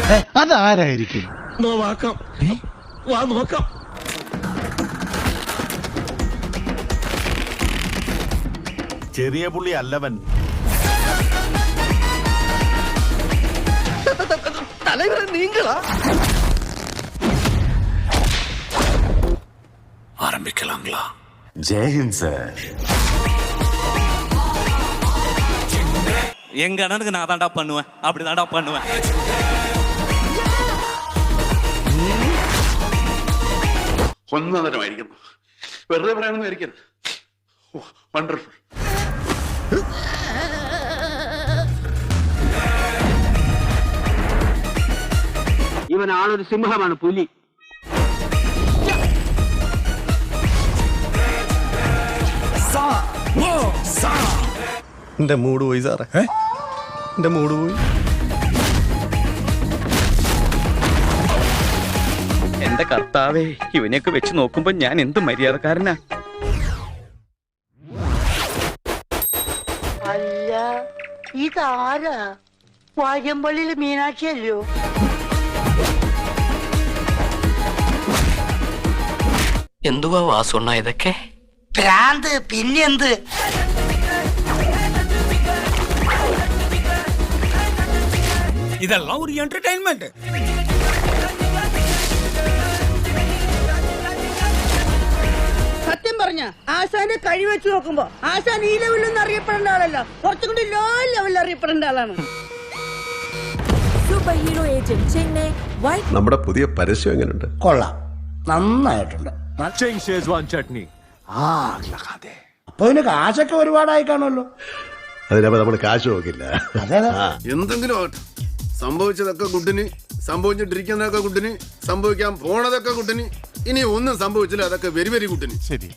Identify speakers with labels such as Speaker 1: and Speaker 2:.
Speaker 1: അതാരായിരിക്കും?
Speaker 2: നോക്കാം, വാ നോക്കാം.
Speaker 3: ചെറിയ പുള്ളി അല്ലവൻ.
Speaker 2: தலைவரை நீங்களா?
Speaker 3: ஆரம்பிக்கலாங்களா?
Speaker 4: ஜெயஹிந்த் சார்.
Speaker 5: எங்க அண்ணனுக்கு நான் தான்டா பண்ணுவேன், அப்படி தான்டா பண்ணுவேன்.
Speaker 6: ഒന്നതരമായിരിക്കുന്നു. വെറുതെ പറയാനൊന്നും വണ്ടർഫുൾ.
Speaker 7: ഇവൻ ആളൊരു സിംഹമാണ്, പുലി.
Speaker 1: എന്റെ മൂഡ് പോയി സാറേ, എന്റെ മൂഡ് പോയി.
Speaker 8: എന്റെ കർത്താവേ, ഇവനെയൊക്കെ വെച്ച് നോക്കുമ്പോ ഞാൻ എന്ത് മര്യാദക്കാരനാ.
Speaker 9: അല്ല, ഇതാരാ? വാര്യമ്പള്ളിയിലെ മീനാക്ഷിയല്ലോ?
Speaker 2: എന്തുവാ വാസുണ്ണ ഇതൊക്കെ?
Speaker 9: ഭ്രാന്ത് പിന്നെന്ത്?
Speaker 5: இதெல்லாம் ஒரு என்டர்டெயின்மெண்ட்.
Speaker 9: സത്യം പറഞ്ഞ ആശാന്റെ കഴി വെച്ച് നോക്കുമ്പോ ആശാൻ ഈ ലെവലിലൊന്നും അറിയപ്പെടേണ്ട ആളല്ല, കുറച്ചും കൂടി ലോ ലെവലിൽ അറിയപ്പെടേണ്ട ആളാണ്.
Speaker 10: Super hero agent Chennai white.
Speaker 1: നമ്മുടെ പുതിയ പരസ്യം എങ്ങനെയുണ്ട്?
Speaker 7: കൊള്ളാം, നന്നായിട്ടുണ്ട്.
Speaker 3: ചട്നി.
Speaker 7: അപ്പൊ ഇതിന് കാശൊക്കെ ഒരുപാടായി കാണുമല്ലോ.
Speaker 1: അതിനപ്പോ നമ്മൾ കാശ് നോക്കില്ല.
Speaker 6: എന്തെങ്കിലും ആകട്ടെ, സംഭവിച്ചതൊക്കെ കുട്ടിന്, സംഭവിച്ചിട്ടിരിക്കുന്നതൊക്കെ കുട്ടിന്, സംഭവിക്കാൻ പോണതൊക്കെ കുട്ടിന്, ഇനി ഒന്നും സംഭവിച്ചില്ല, അതൊക്കെ വെരി വെരി കുട്ടിന്.
Speaker 3: ശരി.